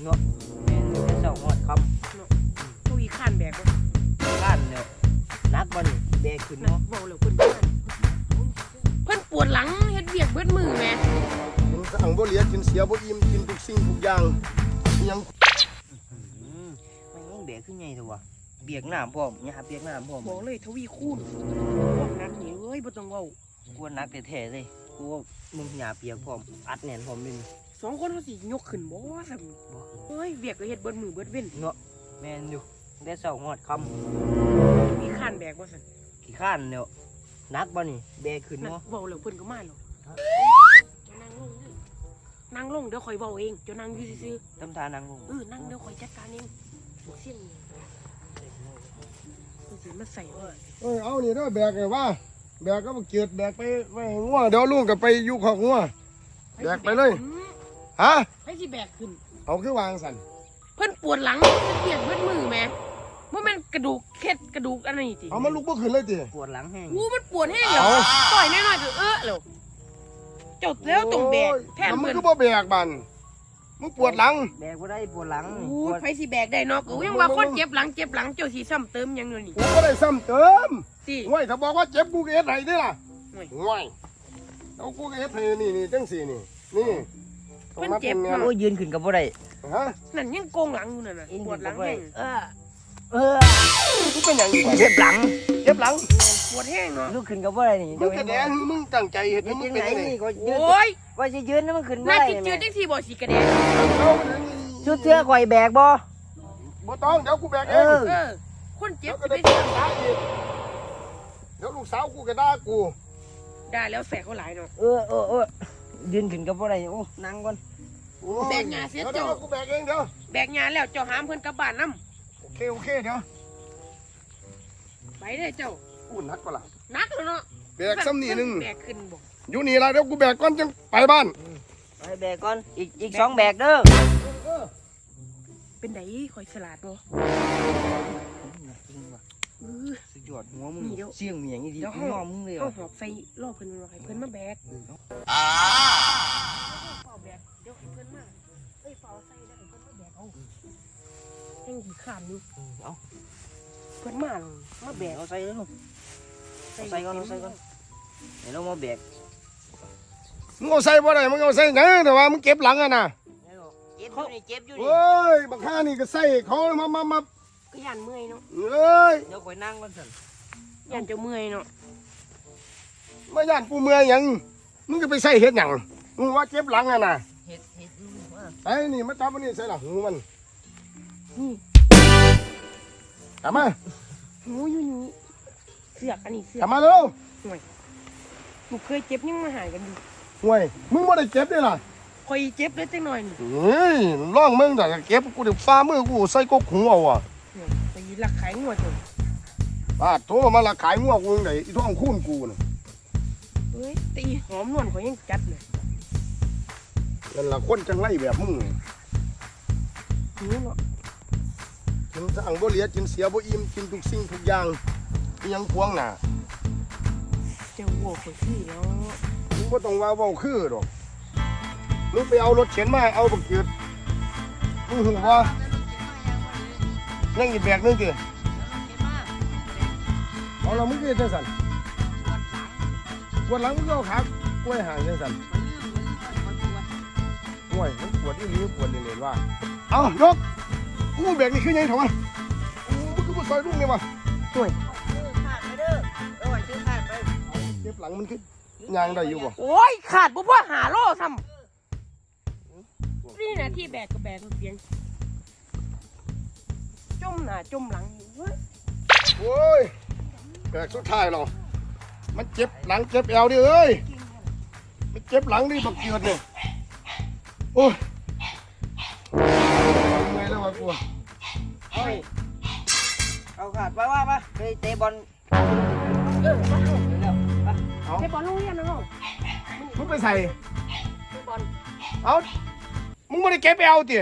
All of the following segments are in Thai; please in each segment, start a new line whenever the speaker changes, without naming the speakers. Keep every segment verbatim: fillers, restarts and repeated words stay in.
เนาะแม่นอยู่ได้เศร้าหอดคำ
เนาะตัวอีข้านแบกบ่
ข้านเนี่ยนักบ่นี่แบกขึ้นเนาะ
เว้าแล้วเพิ่นเพิ่นปวดหลังเฮ็ดเวียกเบิดมือแม่
กินสั่งบ่เหลียกินเสียบ่อิ่มกินทุกสิ่งทุกอย่างยัง
มันยังแบกขึ้นไงตัวเบียกน้ำพร้อมหญ้าเบียกน้ำพร้อม
บอกเลยทวีคูณพวกนักนี่เอ้ยบ่ต้องเว้าก
วนนักแท้ๆเลยกูว่ามึงหญ้าเปียกพร้อมอัดแน่นพร้อมเลย
สองคนเขาสิยกขึ้นบ่ซั่นบ่เอ้ยเวียกก็เฮ็ดเบิดมือเบิดเว้น
เนาะแม่นอยู่ได้เศร้าหอดค
ำมีข้านแบกบ่ซั่น
ขี้ข้านเนี่ยนักบ่นี่แบกขึ้นเนาะ
เว้าแล้วเพิ่นก็มาแล้วจะนั่งลงดินั่งลงเดี๋ยวค่อยเว้าเองจะนั่งอยู่ซื่อ
ๆทำทานั่งลง
เออนั่งเดี๋ยวค่อยจัดการเองเสียงนี่มันสิมาใส่ว่า
เอ้ยเอานี่เด้อแบกไงว่าแบกก็บ่เกียดแบกไปไว้งัวเดี๋ยวลุงก็ไปอยู่คอกงัวแบกไปเลยฮะ
ให้สิแบกขึ้น
เอาคือวางสั่น
เพิ่นปวดหลังเปียกเบิดมือแม่บ่แม่นกระดูกเคล็ดกระดูกอันนี้ติ
เอามันลุกบ่ขึ้นเลยติ
ปวดหลังแห้ง
อู้มันปวดแห้งเหรอต่อยแน่นอนก็เออแล้วเจ้าแล้วต้องแบกแทน
มึ
เพิ่
งคือบ่แบกบันมึงปวดหลัง
แบกบ่ได้ปวดหลัง
อู้ไผสิแบกได้เนาะก็ยังว่าคนเจ็บหลังเจ็บหลังเจ้าสิซ้ำเติมหยังอยู่นี่
กูบ่ได้ซ้ำเติม
ติ
ห่วยถ้าบอกว่าเจ็บกูก็เฮ็ดให้เด้ล่ะห่วยเอากูก็เฮ็ดให้นี่นี่จังซี่นี่นี่
เพิ่นเจ็บเนาะ
โอ้ยืนขึ้นก็บ่ได้
ฮะ
นั่นยังโกงหลังอยู่นั่นน่ะปวดหลังแห้ง
เออเออ
มึงเป็นหยังอีก
เจ็บหลัง
เจ็บหลัง
ปวดแห้งเนาะ
ลุกขึ้นก็บ่ได้นี่
มึงแสดงมึงตั้งใจเฮ็ดมึงเป็นจังได๋
โอ้
ย
ว่าสิยืนมันขึ้นบ่
ได้
น่า
สิยืนจังซี่บ่สิกระแดง
ชุดเสื้อข่อยแบกบ่
บ่ต้องเดี๋ยวกูแบกเอง
เออคนเจ็บ
สิไปเสียด่าอีกเดี๋ยวลูกสาวกูก็ด่ากู
ด่าแล้วแสกเขาหลายเนาะ
เออเออเออยืนขึ้นก็บ่ได้โอ้นั่งก่อน
แบกหญ้าเสียเจ้า
กูแบกเองเดี๋ยว
แบกหญ้าแล้วเจ้าหามเพิ่นกลับบ้านนำ
โอเคโอเคเดี๋ยว
ไปเด้อเจ้า
อู้นักปะล่ะ
นักแล้วเนาะ
แบกซ้ำนี่นึง
แบกขึ้นบ่
อยู่นี่ล่ะเดี๋ยวกูแบกก่อนจังไปบ้าน
ไปแบกก่อนอีกอีกสองแบกเด้อ
เป็นไดข่อยฉลาดบ่
สุดยอดหัวมึงเสียงมีหยังอีดีน้อมึงเลย
เอาหอบใส่ล่อเพิ่นว่าให้เพิ่นมาแบก
อ่า
เฝ้าแบกเดี๋ยวให้เพิ่นมาเอ้ยเฝ้าใส่แล้วให้เพิ่นมาแบกเอาแห่งขี้ข้านอยู่
เอา
เพิ่นมามาแบก
เอาใส่แล้วใส่ก่อนเอาใส่ก่อนเดี๋ยวเรามาแบก
มึงเอาใส่บ่ได้มึงเอาใส่ไงแต่ว่ามึงเก็บหลังอ่ะนะ
เจ็บอยู่นี่เจ็บอยู่นี่
เฮ้ยบักข้านี่ก็ใส่เขามามามา
ก็ยันเมื่อยเนาะ
เอ้ย
เดี๋ยวคอยนั่งก่อนสิ
ยันจะเมื่อยเนาะ
มาย่านกูเมื่อยยังมึงจะไปใส่เห็ดหยังมึงว่าเจ็บหลังอ่ะนะ
เห็ดเห็ด
ไอ้นี่มาจับมันนี่ใส่หลังหูมัน
นี่
กลับมา
หูอยู่นี่เสือกอันนี้เสือก
กลับมาเร็ว
ห่วยกูเคยเจ็บยังมาหายกันอยู่
ห่วยมึงไม่ได้เจ็บด้วยล่ะ
คอยเจ็บได้จังหน่อยนี่
เฮ้ยร่องมึงแต่เก็บกูเดี๋ยวฟ้ามือกูใส่กบหูเอาอ่ะ
ไปลักขายงัวจน
ป้าโทรมาลักขายงัวกูไหนอีท้องคุ้นกูน่ะ
เฮ้ยตีหอมนวลเขายังจัดเลย
นั่นล่ะคนจังไรแบบมึง
หิวเนาะ
กินสั่งบ่เหลียกินเสียบ่อิ่มกินทุกสิ่งทุกอย่างยังพวงหน้า
เจ้าวัวคนที่เนาะ
มึงบ่ต้องว่าเว้าคือดอกมึงไปเอารถเข็นมาเอาบักเกิดมึงหูว่ายังอีกแบกนึงติเอาแล้วมึงคือจังซั่นปวดหลังมึงก็เอาขากล้วยห่างจังซั่นโอ้ยมันปวดอีหลีปวดเล่นๆว่าเอายกกูแบกนี่คือยังไงถอยมึงคือบ่ซอยลุงนี่วะ
ห่วย
ขาดไปเด้อเออซื้อขาดไป
เจ็บหลังมันคือยางได้อยู่บ่
โอ้ยขาดบ่พ่อหาโลซ้ำนี่นะที่แบกก็แบกเพียงจมหน้าจมหลังเฮ้ย
โอ้ยแบกสุดท้ายหรอมันเจ็บหลังเจ็บเอวดิเอ้ยมันเจ็บหลังดิบักเกียดเนี่ยโอ้ยไงแล้ววะกู
เฮ้ยเอาขาดไปว่าปะไปเตะบอล
เออมาเอาเตะบอลโรงเรียนนะน้อง
มึงไปใส่
เตะบอล
เอามึงไม่ได้เก็บเอวติ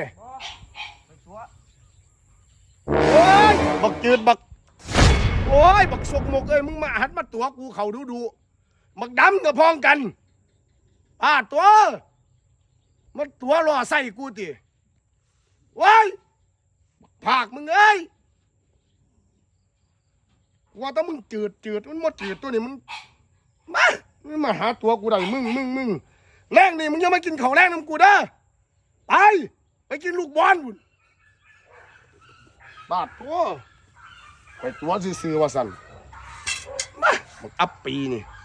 โอ้ยบักจืดบักโอ้ยบักสกมกเอ้ยมึงมาหัดมาตัวกูเขาดูดูบักดำกับพองกันอ่าตัวมันตัวรอใส่กูติว้ายผากมึงเอ้ยว่าแต่มึงจืดจืดมันหมดจืดตัวนี้มันมามึงมาหาตัวกูได้มึงมึงมึงแรงนี่มึงยังมากินข้าวแรงน้ำกูเด้อไปไปกินลูกบอลบุญบาดตัวไปตัวซื่อๆว่าสั่นมามึงอัปปีนี่